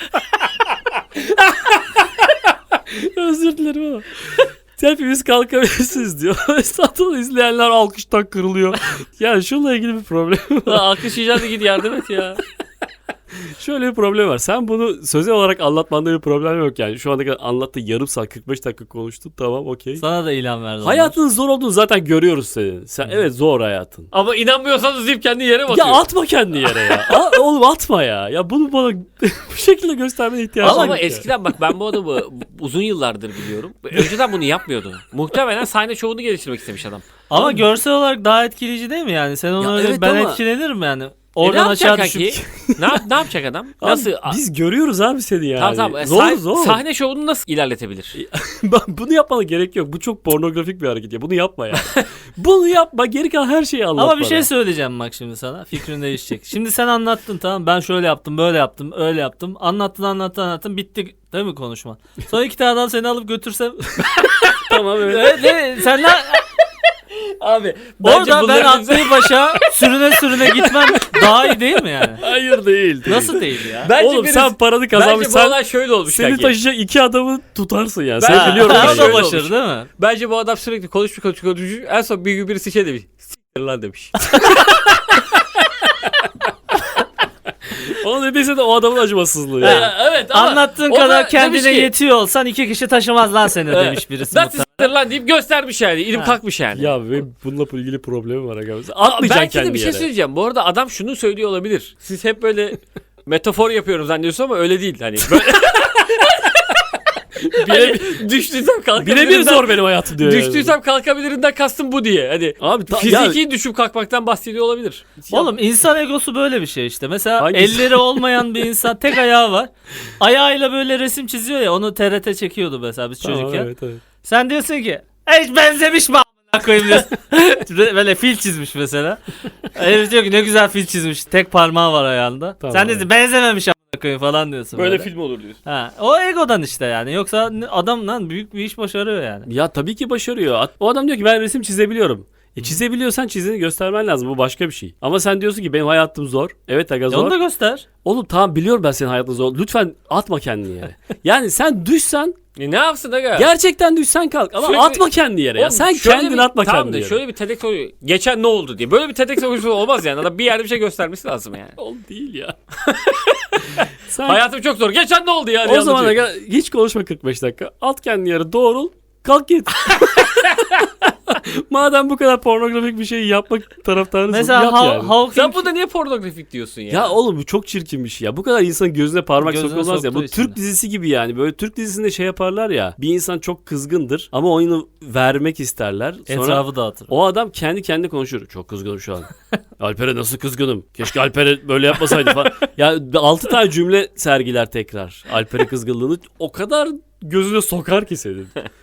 Speaker 3: özür dilerim ama hepimiz kalkabilirsiniz diyor. Satın izleyenler alkıştan kırılıyor. Yani şununla ilgili bir problem var.
Speaker 2: Alkışlayacağız da git yardım et ya.
Speaker 3: Şöyle bir problem var. Sen bunu sözel olarak anlatmanda bir problem yok yani. Şu anda kadar anlattı, yarım saat 45 dakika konuştun. Tamam, okey.
Speaker 1: Sana da ilham verdi.
Speaker 3: Hayatın zor olduğunu zaten görüyoruz senin. Sen evet zor hayatın.
Speaker 2: Ama inanmıyorsanız deyip kendi yere batıyor.
Speaker 3: Ya atma kendini yere ya. Oğlum atma ya. Ya bunu bana bu şekilde göstermene ihtiyacım
Speaker 2: Ama
Speaker 3: yok ya.
Speaker 2: eskiden bak ben bu adamı uzun yıllardır biliyorum. Önceden bunu yapmıyordu. Muhtemelen sahne şovunu geliştirmek istemiş adam.
Speaker 1: Ama görsel olarak daha etkileyici değil mi yani? Sen onu
Speaker 3: Ya
Speaker 1: öyle
Speaker 3: evet
Speaker 1: ben
Speaker 3: ama-
Speaker 1: etlenirim yani.
Speaker 2: Ne
Speaker 1: Oradan
Speaker 2: yapacak
Speaker 1: aşağı
Speaker 2: kanki?
Speaker 1: düşüp.
Speaker 2: Ne yapacak adam?
Speaker 3: Abi,
Speaker 2: Nasıl?
Speaker 3: biz görüyoruz abi seni yani.
Speaker 2: Tamam.
Speaker 3: Zor.
Speaker 2: Sahne şovunu nasıl ilerletebilir?
Speaker 3: Bunu yapmana gerek yok. Bu çok pornografik bir hareket ya. Bunu yapma ya. Bunu yapma. Geri kalan her şeyi anlat
Speaker 1: Ama bir
Speaker 3: bana.
Speaker 1: şey söyleyeceğim bak şimdi sana. Fikrin değişecek. Şimdi sen anlattın, tamam, ben şöyle yaptım, böyle yaptım, öyle yaptım. Anlattın. Bitti değil mi konuşma? Sonra iki tane adam seni alıp götürsem.
Speaker 3: Tamam evet.
Speaker 1: Sen ne?
Speaker 2: Abi
Speaker 1: Orada ben atlayıp başa sürüne gitmem daha iyi değil mi yani?
Speaker 3: Hayır değil.
Speaker 1: Nasıl değil ya?
Speaker 2: Bence
Speaker 3: Oğlum sen paranı
Speaker 2: Bence bu
Speaker 3: kazanmışsan
Speaker 2: olay şöyle olmuş
Speaker 3: seni
Speaker 2: kanki.
Speaker 3: taşıyacak iki adamı tutarsın ya.
Speaker 2: Ben-
Speaker 3: Sen biliyorum.
Speaker 2: Ha,
Speaker 1: O
Speaker 3: ben
Speaker 1: da
Speaker 2: şöyle
Speaker 1: başarı
Speaker 2: olmuş.
Speaker 1: değil mi?
Speaker 2: Bence bu adam sürekli konuşmuş. En son bir gün birisi şey demiş. S**tir lan demiş.
Speaker 3: Onu dediyse de o adamın acımasızlığı. Ya.
Speaker 2: Evet ama
Speaker 1: Anlattığın
Speaker 2: o da
Speaker 1: kadar
Speaker 2: demiş
Speaker 1: kendine
Speaker 2: ki,
Speaker 1: yetiyor olsan iki kişi taşımaz lan seni
Speaker 2: Evet.
Speaker 1: demiş birisi.
Speaker 2: Ben
Speaker 1: muhtemelen.
Speaker 2: s**tir lan deyip göstermiş yani. İlim
Speaker 1: Ha.
Speaker 2: kalkmış yani.
Speaker 3: Ya benim bununla ilgili problemim var. Atmayacaksın
Speaker 2: Belki de
Speaker 3: kendini
Speaker 2: bir şey
Speaker 3: yere.
Speaker 2: söyleyeceğim. Bu arada adam şunu söylüyor olabilir. Siz hep böyle metafor yapıyorum zannediyorsun ama öyle değil. Hani böyle... hani düştüysem kalkabilirim.
Speaker 3: Birebir zor benim hayatım diyor.
Speaker 2: Düştüysem kalkabilirinden kastım bu diye. Hani
Speaker 3: Abi
Speaker 2: fiziki düşüp kalkmaktan bahsediyor olabilir.
Speaker 1: Oğlum insan egosu böyle bir şey işte. Mesela
Speaker 3: Hangisi?
Speaker 1: elleri olmayan bir insan, tek ayağı var. Ayağıyla böyle resim çiziyor ya, onu TRT çekiyordu mesela biz çocukken.
Speaker 3: Evet.
Speaker 1: Sen diyorsun ki hiç benzemiş mi a**ına koyayım diyorsun. Böyle fil çizmiş mesela. Herif diyor ki ne güzel fil çizmiş. Tek parmağı var ayağında.
Speaker 3: Tamam,
Speaker 1: Sen diyorsun benzememiş a**ına koyayım falan diyorsun. Böyle
Speaker 2: film olur diyorsun.
Speaker 1: Ha, o egodan işte yani. Yoksa adam lan büyük bir iş başarıyor yani.
Speaker 3: Ya tabii ki başarıyor. O adam diyor ki ben resim çizebiliyorum. Çizebiliyorsan çizini göstermen lazım. Bu başka bir şey. Ama sen diyorsun ki benim hayatım zor. Evet aga zor.
Speaker 1: Onu da göster.
Speaker 3: Oğlum tamam biliyorum ben senin hayatın zor. Lütfen atma kendini yere. Yani sen düşsen
Speaker 2: Ne yapsın aga?
Speaker 3: gerçekten düşsen kalk ama
Speaker 2: Sürekli-
Speaker 3: atma kendini yere ya.
Speaker 2: Oğlum,
Speaker 3: Sen
Speaker 2: şöyle
Speaker 3: kendini
Speaker 2: bir-
Speaker 3: atma
Speaker 2: tamam
Speaker 3: kendini
Speaker 2: da
Speaker 3: yere.
Speaker 2: şöyle bir TEDx oluyor. Geçen ne oldu diye. Böyle bir TEDx konuşması olmaz yani. Adam bir yerde bir şey göstermesi lazım yani.
Speaker 3: Oğlum değil ya. Sen
Speaker 2: Hayatım çok zor. Geçen ne oldu ya? diye
Speaker 3: o zaman
Speaker 2: anlatıyor.
Speaker 3: aga hiç konuşma 45 dakika. At kendini yere doğrul. Kalk git. Madem bu kadar pornografik bir şey yapmak taraftarısın
Speaker 1: Mesela
Speaker 3: yap yani.
Speaker 1: Hawking
Speaker 2: Sen burada niye pornografik diyorsun ya?
Speaker 3: Ya oğlum bu çok çirkin bir şey ya. Bu kadar insanın gözüne parmak
Speaker 1: Gözüne
Speaker 3: sokulmaz ya. Bu
Speaker 1: soktuğu için
Speaker 3: Türk
Speaker 1: de.
Speaker 3: dizisi gibi yani. Böyle Türk dizisinde şey yaparlar ya. Bir insan çok kızgındır ama oyunu vermek isterler. Sonra
Speaker 1: etrafı dağıtır.
Speaker 3: o adam kendi kendine konuşur. Çok kızgınım şu an. Alper'e nasıl kızgınım? Keşke Alper'e böyle yapmasaydı falan. Ya 6 tane cümle sergiler tekrar. Alper'e kızgınlığını o kadar gözüne sokar ki senin.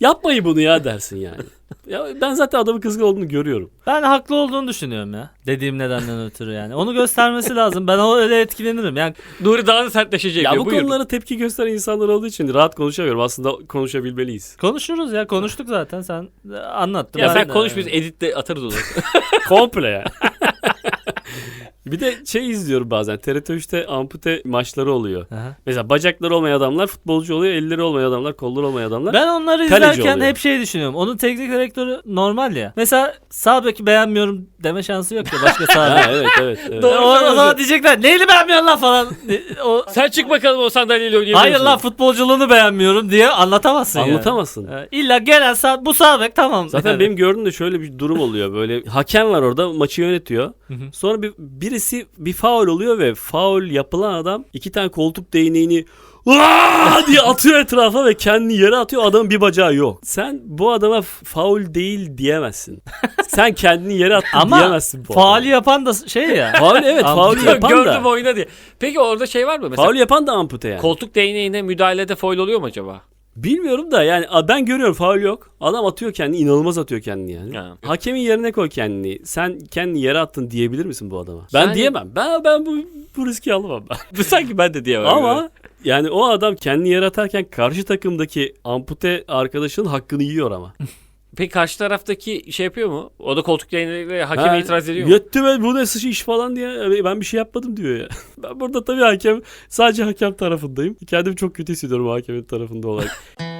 Speaker 3: Yapmayın bunu ya dersin yani. Ya ben zaten adamın kızgın olduğunu görüyorum.
Speaker 1: Ben haklı olduğunu düşünüyorum ya. Dediğim nedenden ötürü yani. Onu göstermesi lazım. Ben öyle etkilenirim. Yani
Speaker 2: Nuri daha da sertleşecek
Speaker 3: Ya
Speaker 2: diyor.
Speaker 3: bu
Speaker 2: Buyur.
Speaker 3: konulara tepki gösteren insanlar olduğu için rahat konuşamıyorum. Aslında konuşabilmeliyiz.
Speaker 1: konuşuruz ya. Konuştuk zaten. Sen anlattın.
Speaker 2: Ya
Speaker 1: Ben
Speaker 2: sen
Speaker 1: de-
Speaker 2: konuş biz editte atarız onu.
Speaker 3: Komple ya. Bir de şey izliyorum bazen. TRT 3'te ampute maçları oluyor.
Speaker 1: Aha.
Speaker 3: Mesela bacakları olmayan adamlar futbolcu oluyor. Elleri olmayan adamlar, kolları olmayan adamlar.
Speaker 1: Ben onları
Speaker 3: Kaleci
Speaker 1: izlerken
Speaker 3: oluyor.
Speaker 1: hep şey düşünüyorum. Onun teknik direktörü normal ya. Mesela sağ beki beğenmiyorum deme şansı yok ya başka sağ
Speaker 3: Ha,
Speaker 1: bek.
Speaker 3: evet.
Speaker 2: Doğru.
Speaker 1: O zaman diyecekler neyini beğenmiyorsun lan falan. O,
Speaker 2: Sen çık bakalım o sandalyeyle oynayabilir
Speaker 1: hayır
Speaker 2: misin?
Speaker 1: lan futbolculuğunu beğenmiyorum diye anlatamazsın yani.
Speaker 3: Anlatamazsın.
Speaker 1: İlla gelen bu sağ bek tamam.
Speaker 3: Zaten
Speaker 1: Yani.
Speaker 3: benim gördüğüm de şöyle bir durum oluyor. Böyle hakem var orada maçı yönetiyor.
Speaker 1: Hı hı.
Speaker 3: Sonra birisi bir faul oluyor ve faul yapılan adam 2 tane koltuk değneğini "Aa!" diye atıyor etrafa ve kendini yere atıyor. Adamın bir bacağı yok. Sen bu adama faul değil diyemezsin. Sen kendini yere attın
Speaker 1: Ama
Speaker 3: diyemezsin bu
Speaker 1: faali
Speaker 3: adama.
Speaker 1: yapan da şey ya.
Speaker 3: Faul evet faul yapan
Speaker 2: Gördüm
Speaker 3: da.
Speaker 2: oyna diye. Peki orada şey var mı? Mesela
Speaker 3: Faul yapan da ampute yani.
Speaker 2: koltuk değneğine müdahalede foul oluyor mu acaba?
Speaker 3: Bilmiyorum da yani ben görüyorum faul yok. Adam atıyor kendini, inanılmaz atıyor kendini yani.
Speaker 2: Ha.
Speaker 3: Hakemin yerine koy kendini. Sen kendini yere attın diyebilir misin bu adama? Ben
Speaker 2: Yani-
Speaker 3: diyemem. Ben bu riski alamam ben.
Speaker 2: Sanki ben de diyemem.
Speaker 3: Ama yani o adam kendini yere atarken karşı takımdaki ampute arkadaşının hakkını yiyor ama.
Speaker 2: Peki karşı taraftaki şey yapıyor mu? O da koltuk değneğiyle hakeme
Speaker 3: Ha,
Speaker 2: itiraz ediyor mu?
Speaker 3: Yetti be bu ne sıçı iş falan diye ben bir şey yapmadım diyor ya. Ben burada tabii sadece hakem tarafındayım. Kendimi çok kötü hissediyorum hakemin tarafında olarak.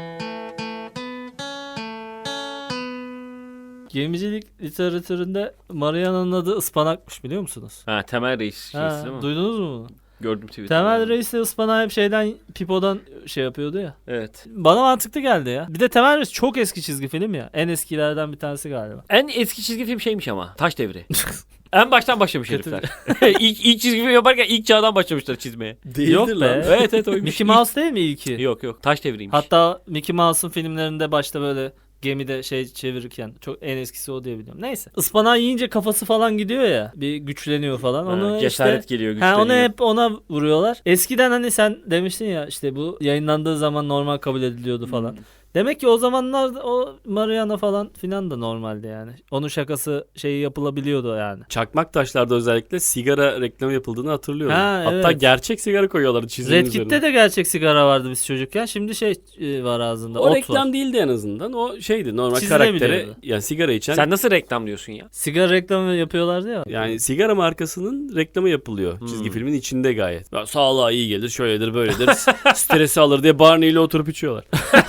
Speaker 1: Gemicilik literatüründe Mariana'nın adı ıspanakmış biliyor musunuz?
Speaker 2: Ha, Temel Reis
Speaker 1: Ha,
Speaker 2: şeysi değil mi?
Speaker 1: duydunuz mu bunu?
Speaker 2: Gördüm Twitter'da.
Speaker 1: Temel Reis de ıspanağı hep şeyden Pipo'dan şey yapıyordu ya.
Speaker 2: Evet.
Speaker 1: Bana mantıklı geldi ya. Bir de Temel Reis çok eski çizgi film ya. En eskilerden bir tanesi galiba.
Speaker 2: En eski çizgi film şeymiş ama. Taş Devri. En baştan başlamış
Speaker 1: Kötü.
Speaker 2: herifler. ilk çizgi film yaparken ilk çağdan başlamışlar çizmeye.
Speaker 1: Yok be.
Speaker 2: Evet oymuş.
Speaker 1: Mickey Mouse değil mi ilki?
Speaker 2: Yok. Taş Devri'ymiş.
Speaker 1: Hatta Mickey Mouse'un filmlerinde başta böyle gemide şey çevirirken çok en eskisi o diye biliyorum. Neyse. Ispanağı yiyince kafası falan gidiyor ya. Bir güçleniyor falan. Onu
Speaker 2: cesaret
Speaker 1: işte
Speaker 2: geliyor,
Speaker 1: ha,
Speaker 2: güçleniyor.
Speaker 1: onu hep ona vuruyorlar. Eskiden hani sen demiştin ya işte bu yayınlandığı zaman normal kabul ediliyordu falan. Demek ki o zamanlar o Mariana falan filan da normaldi yani. Onun şakası şeyi yapılabiliyordu yani.
Speaker 3: Çakmak taşlarda özellikle sigara reklamı yapıldığını hatırlıyorum.
Speaker 1: Ha,
Speaker 3: Hatta
Speaker 1: evet.
Speaker 3: gerçek sigara koyuyorlardı çizginin
Speaker 1: Red
Speaker 3: üzerine.
Speaker 1: Kit'te de gerçek sigara vardı biz çocukken. Şimdi şey var ağzında.
Speaker 3: O
Speaker 1: ot
Speaker 3: reklam
Speaker 1: var.
Speaker 3: değildi en azından. O şeydi normal
Speaker 1: Çizilebiliyordu.
Speaker 3: karaktere yani sigara içen.
Speaker 2: Sen nasıl reklam diyorsun ya?
Speaker 1: Sigara reklamı yapıyorlardı ya.
Speaker 3: Yani sigara markasının reklamı yapılıyor. Çizgi filmin içinde gayet. Ya, sağlığa iyi gelir, şöyledir, böyledir. Stresi alır diye Barney ile oturup içiyorlar.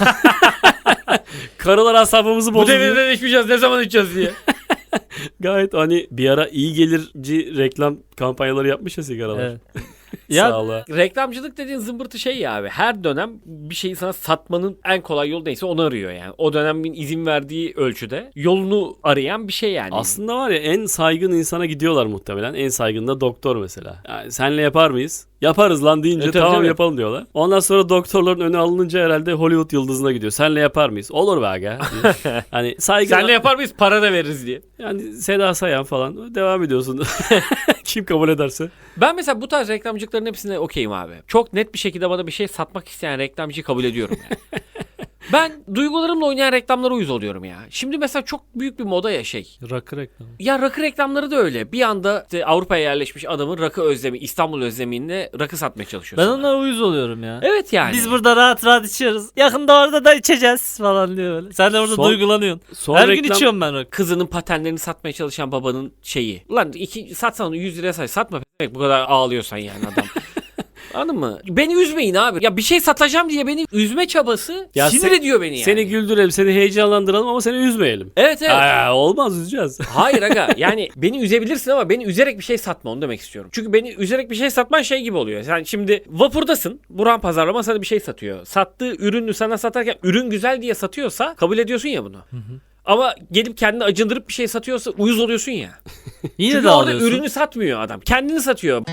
Speaker 3: Karılar asabımızı
Speaker 2: Bu
Speaker 3: bozuyor.
Speaker 2: devirden içmeyeceğiz ne zaman içeceğiz diye.
Speaker 3: Gayet hani bir ara iyi gelirci reklam kampanyaları yapmış ya sigaralar.
Speaker 1: Evet. Ya
Speaker 3: Sağlığa.
Speaker 2: Reklamcılık dediğin zımbırtı şey ya abi. Her dönem bir şeyi sana satmanın en kolay yolu neyse onu arıyor yani. O dönemin izin verdiği ölçüde yolunu arayan bir şey yani.
Speaker 3: Aslında var ya en saygın insana gidiyorlar muhtemelen. En saygın da doktor mesela. Yani senle yapar mıyız? Yaparız lan deyince
Speaker 2: tabii,
Speaker 3: tamam
Speaker 2: tabii.
Speaker 3: yapalım diyorlar. Ondan sonra doktorların önü alınınca herhalde Hollywood yıldızına gidiyor. Senle yapar mıyız? Olur be aga. diyor. Hani saygın.
Speaker 2: Senle yapar mıyız? Para da veririz diye.
Speaker 3: Yani Seda Sayan falan devam ediyorsun. Kim kabul ederse.
Speaker 2: Ben mesela bu tarz reklamcılıkların hepsine okeyim abi. Çok net bir şekilde bana bir şey satmak isteyen reklamcıyı kabul ediyorum yani. Ben duygularımla oynayan reklamlara uyuz oluyorum ya. Şimdi mesela çok büyük bir moda ya şey.
Speaker 1: rakı reklamı.
Speaker 2: Ya rakı reklamları da öyle. Bir anda işte Avrupa'ya yerleşmiş adamın rakı özlemi, İstanbul özlemiyle rakı satmaya çalışıyor
Speaker 1: Ben
Speaker 2: sana.
Speaker 1: onlara uyuz oluyorum ya.
Speaker 2: Evet yani.
Speaker 1: Biz burada rahat rahat içiyoruz. Yakında orada da içeceğiz falan diyor böyle. Sen de orada
Speaker 3: Son-
Speaker 1: duygulanıyorsun.
Speaker 3: Son
Speaker 1: Her gün
Speaker 3: reklam-
Speaker 1: içiyorum ben rakı.
Speaker 2: Kızının patenlerini satmaya çalışan babanın şeyi. Ulan satsan onu 100 liraya say. Satma bu kadar ağlıyorsan yani adam. Anladın mı? Beni üzmeyin abi. Ya bir şey satacağım diye beni üzme çabası
Speaker 3: Ya
Speaker 2: sinir ediyor beni yani.
Speaker 3: Seni güldürelim, seni heyecanlandıralım ama seni üzmeyelim.
Speaker 2: Evet.
Speaker 3: Olmaz üzeceğiz.
Speaker 2: Hayır aga yani beni üzebilirsin ama beni üzerek bir şey satma onu demek istiyorum. Çünkü beni üzerek bir şey satman şey gibi oluyor. Sen şimdi vapurdasın. Buran pazarlama sana bir şey satıyor. Sattığı ürünü sana satarken ürün güzel diye satıyorsa kabul ediyorsun ya bunu. Ama gelip kendini acındırıp bir şey satıyorsa uyuz oluyorsun ya.
Speaker 1: Yine
Speaker 2: Çünkü
Speaker 1: de
Speaker 2: orada
Speaker 1: alıyorsun.
Speaker 2: ürünü satmıyor adam. Kendini satıyor.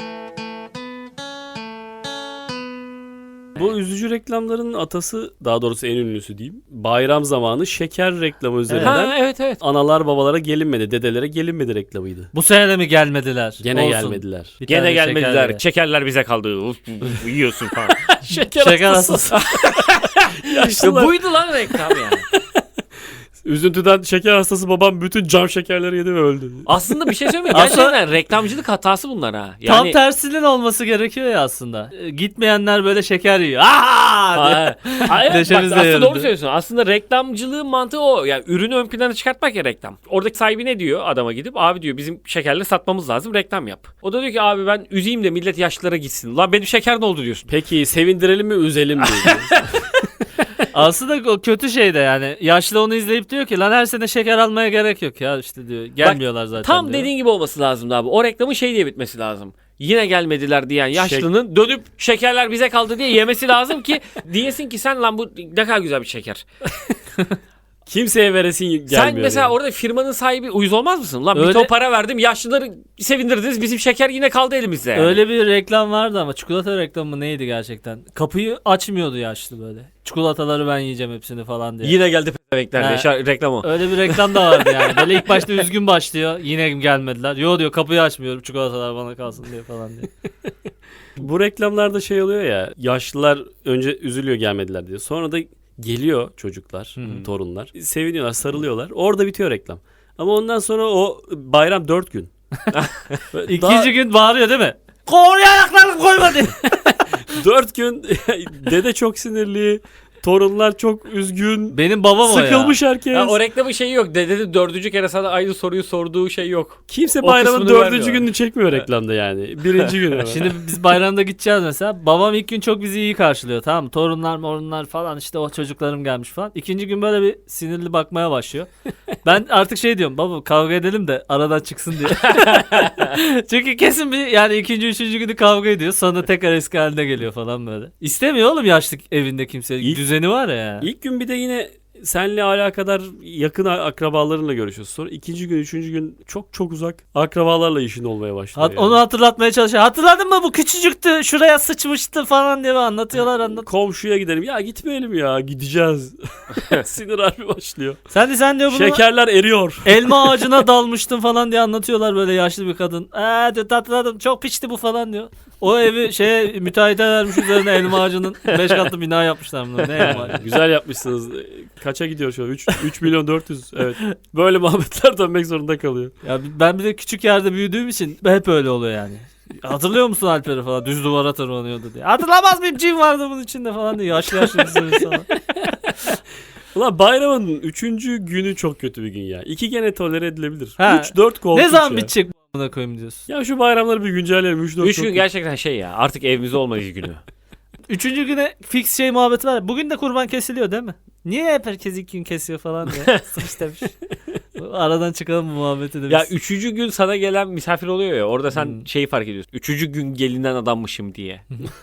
Speaker 3: Bu üzücü reklamların atası, daha doğrusu en ünlüsü diyeyim. Bayram zamanı şeker reklamı üzerinden
Speaker 2: Ha, evet.
Speaker 3: analar babalara gelinmedi, dedelere gelinmedi reklamıydı.
Speaker 1: Bu sene de mi gelmediler?
Speaker 3: Gene
Speaker 1: Olsun.
Speaker 3: gelmediler.
Speaker 1: Bir
Speaker 2: Gene
Speaker 1: tane
Speaker 2: gelmediler.
Speaker 1: şeker ye.
Speaker 2: Şekerler bize kaldı. Uf, yiyorsun falan.
Speaker 1: Şeker hastası.
Speaker 2: Ya buydu lan reklam yani.
Speaker 3: Üzüntüden şeker hastası babam bütün cam şekerleri yedi ve öldü.
Speaker 2: Aslında bir şey söyleyeyim mi?
Speaker 1: Aslında-
Speaker 2: Gerçekten reklamcılık hatası bunlar ha.
Speaker 1: Tam tersinin olması gerekiyor ya aslında. Gitmeyenler böyle şeker yiyor. Aa! diye.
Speaker 2: Hayır, bak,
Speaker 1: Neşemiz de
Speaker 2: aslında
Speaker 1: yerinde.
Speaker 2: doğru söylüyorsun. Aslında reklamcılığın mantığı o. Yani ürünü ön plana çıkartmak ya reklam. Oradaki sahibi ne diyor adama gidip? Abi diyor bizim şekerleri satmamız lazım, reklam yap. O da diyor ki abi ben üzeyim de millet yaşlılara gitsin. Lan benim şeker ne oldu diyorsun.
Speaker 3: Peki sevindirelim mi üzelim mi?
Speaker 1: Aslında o kötü şey de yani. Yaşlı onu izleyip diyor ki lan her sene şeker almaya gerek yok ya işte diyor. Gelmiyorlar zaten
Speaker 2: Tam
Speaker 1: diyor.
Speaker 2: dediğin gibi olması lazımdı abi. O reklamın şey diye bitmesi lazım. Yine gelmediler diyen yaşlının dönüp şekerler bize kaldı diye yemesi lazım ki diyesin ki sen lan bu ne kadar güzel bir şeker.
Speaker 3: Kimseye veresin gelmiyor.
Speaker 2: Sen mesela
Speaker 3: yani.
Speaker 2: orada firmanın sahibi uyuz olmaz mısın? Lan bir
Speaker 1: Öyle-
Speaker 2: ton para verdim yaşlıları sevindirdiniz bizim şeker yine kaldı elimizde yani.
Speaker 1: Öyle bir reklam vardı ama çikolata reklamı mı neydi gerçekten? Kapıyı açmıyordu yaşlı böyle. Çikolataları ben yiyeceğim hepsini falan diye.
Speaker 2: Yine geldi pezevekler diye reklam o.
Speaker 1: Öyle bir reklam da vardı yani. Böyle ilk başta üzgün başlıyor. Yine gelmediler. Yo diyor kapıyı açmıyorum çikolatalar bana kalsın diye falan diye.
Speaker 3: Bu reklamlarda şey oluyor ya, yaşlılar önce üzülüyor gelmediler diye. Sonra da geliyor çocuklar, torunlar. Seviniyorlar, sarılıyorlar. Orada bitiyor reklam. Ama ondan sonra o bayram 4 gün.
Speaker 1: İkinci gün bağırıyor değil mi? Oraya ayaklarını koyma diye.
Speaker 3: 4 gün dede çok sinirli, torunlar çok üzgün.
Speaker 1: Benim babam o ya.
Speaker 3: Sıkılmış herkes.
Speaker 2: Ya o reklamın şeyi yok. Dedenin 4. kere sana aynı soruyu sorduğu şey yok.
Speaker 3: Kimse
Speaker 2: o
Speaker 3: bayramın
Speaker 2: kısmını
Speaker 3: 4.
Speaker 2: vermiyor.
Speaker 3: gününü çekmiyor reklamda yani. 1. günü. hemen.
Speaker 1: Şimdi biz bayramda gideceğiz mesela. Babam ilk gün çok bizi iyi karşılıyor tamam mı? Torunlar falan işte o çocuklarım gelmiş falan. İkinci gün böyle bir sinirli bakmaya başlıyor. Ben artık şey diyorum baba kavga edelim de aradan çıksın diye. Çünkü kesin bir yani ikinci üçüncü günü kavga ediyor. Sonra tekrar eski haline geliyor falan böyle. İstemiyor oğlum yaşlı evinde kimse.
Speaker 3: İlk-
Speaker 1: Düzeni var ya.
Speaker 3: İlk gün bir de yine senle alakadar yakın akrabalarınla görüşüyorsun. Sonra 2. gün, 3. gün çok uzak akrabalarla işin olmaya başlıyor. yani.
Speaker 1: Onu hatırlatmaya çalışıyor. Hatırladın mı bu küçücüktü şuraya sıçmıştı falan diye anlatıyorlar.
Speaker 3: Komşuya gidelim. Ya gitmeyelim ya gideceğiz. Sinir harbi başlıyor.
Speaker 1: Sen diyor bunu
Speaker 3: Şekerler eriyor.
Speaker 1: elma ağacına dalmıştın falan diye anlatıyorlar böyle yaşlı bir kadın. Diyor hatırladım çok piçti bu falan diyor. O evi müteahhite vermiş üzerine elma ağacının 5 katlı bina yapmışlar bunlar. Ne elma ağacı?
Speaker 3: Güzel yapmışsınız. Kaça gidiyor şu an? 3 milyon 400. Evet. Böyle muhabbetler dönmek zorunda kalıyor.
Speaker 1: Ya ben bir de küçük yerde büyüdüğüm için hep öyle oluyor yani. Hatırlıyor musun Alper'i falan düz duvara tırmanıyordu diye. Hatırlamaz mıyım cin vardı bunun içinde falan diye yaşlı bir sürü sana.
Speaker 3: Ulan bayramın 3. günü çok kötü bir gün ya. 2 gene tolere edilebilir.
Speaker 1: Ha.
Speaker 3: 3-4 korkunç
Speaker 1: Ne zaman
Speaker 3: ya.
Speaker 1: bitecek bu amına koyayım diyorsun.
Speaker 3: Ya şu bayramları bir güncelleyelim. 3-4
Speaker 2: 3 gün gerçekten şey ya artık evimizde olmayız günü.
Speaker 1: Üçüncü güne fix şey muhabbeti var. Bugün de kurban kesiliyor değil mi? Niye hep herkes 2 gün kesiyor falan diye. Sıkış demiş. Aradan çıkalım bu muhabbeti de biz.
Speaker 2: Ya 3. gün sana gelen misafir oluyor ya orada sen şeyi fark ediyorsun. 3. gün gelinen adammışım diye.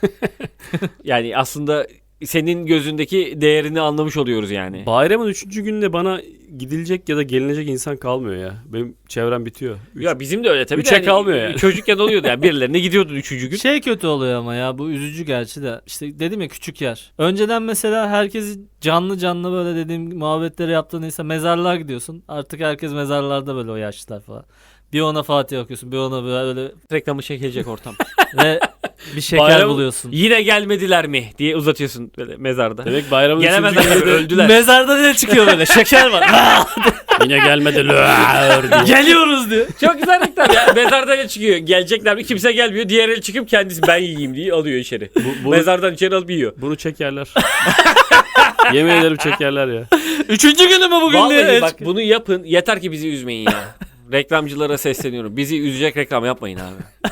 Speaker 2: Yani aslında senin gözündeki değerini anlamış oluyoruz yani.
Speaker 3: Bayramın 3. gününde bana gidilecek ya da gelinecek insan kalmıyor ya. Benim çevrem bitiyor.
Speaker 2: Ya bizim de öyle tabii.
Speaker 3: Üçe kalmıyor yani.
Speaker 2: Çocukken oluyordu yani birilerine gidiyordun 3. gün.
Speaker 1: Şey kötü oluyor ama ya bu üzücü gerçi de. İşte dedim ya küçük yer. Önceden mesela herkesi canlı böyle dediğim muhabbetleri yaptığın insan mezarlığa gidiyorsun. Artık herkes mezarlarda böyle o yaşlılar falan. Bir ona Fatih okuyorsun bir ona böyle
Speaker 2: Reklamı çekilecek ortam.
Speaker 1: ve bir şeker
Speaker 3: Bayram-
Speaker 1: buluyorsun.
Speaker 2: Yine gelmediler mi diye uzatıyorsun böyle mezarda.
Speaker 3: Demek bayramın 3.
Speaker 2: Gelemezler
Speaker 3: gününde
Speaker 2: öldüler.
Speaker 1: Mezarda ne çıkıyor böyle şeker var.
Speaker 3: yine gelmedi. Lüğür diye.
Speaker 1: Geliyoruz diyor.
Speaker 2: Çok güzel reklam ya. Mezarda ne çıkıyor? Gelecekler mi? Kimse gelmiyor. Diğer el çıkıp kendisi ben yiyeyim diye alıyor içeri.
Speaker 3: bunu-
Speaker 2: Mezardan içeri alıp yiyor.
Speaker 3: Bunu çekerler. Yemin ederim çekerler ya.
Speaker 1: Üçüncü günü mü bugün diye.
Speaker 2: Vallahi bak bunu yapın. Yeter ki bizi üzmeyin ya. Reklamcılara sesleniyorum. Bizi üzecek reklam yapmayın abi.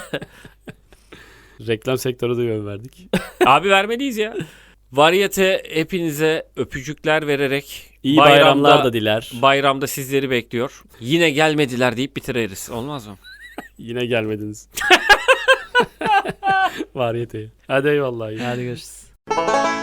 Speaker 3: Reklam sektörü de yön verdik.
Speaker 2: Abi vermeliyiz ya. Varyete hepinize öpücükler vererek
Speaker 3: İyi bayramlar da diler.
Speaker 2: bayramda sizleri bekliyor. Yine gelmediler deyip bitiririz. Olmaz mı?
Speaker 3: Yine gelmediniz. Var yeteği. Hadi eyvallah.
Speaker 1: Hadi görüşürüz.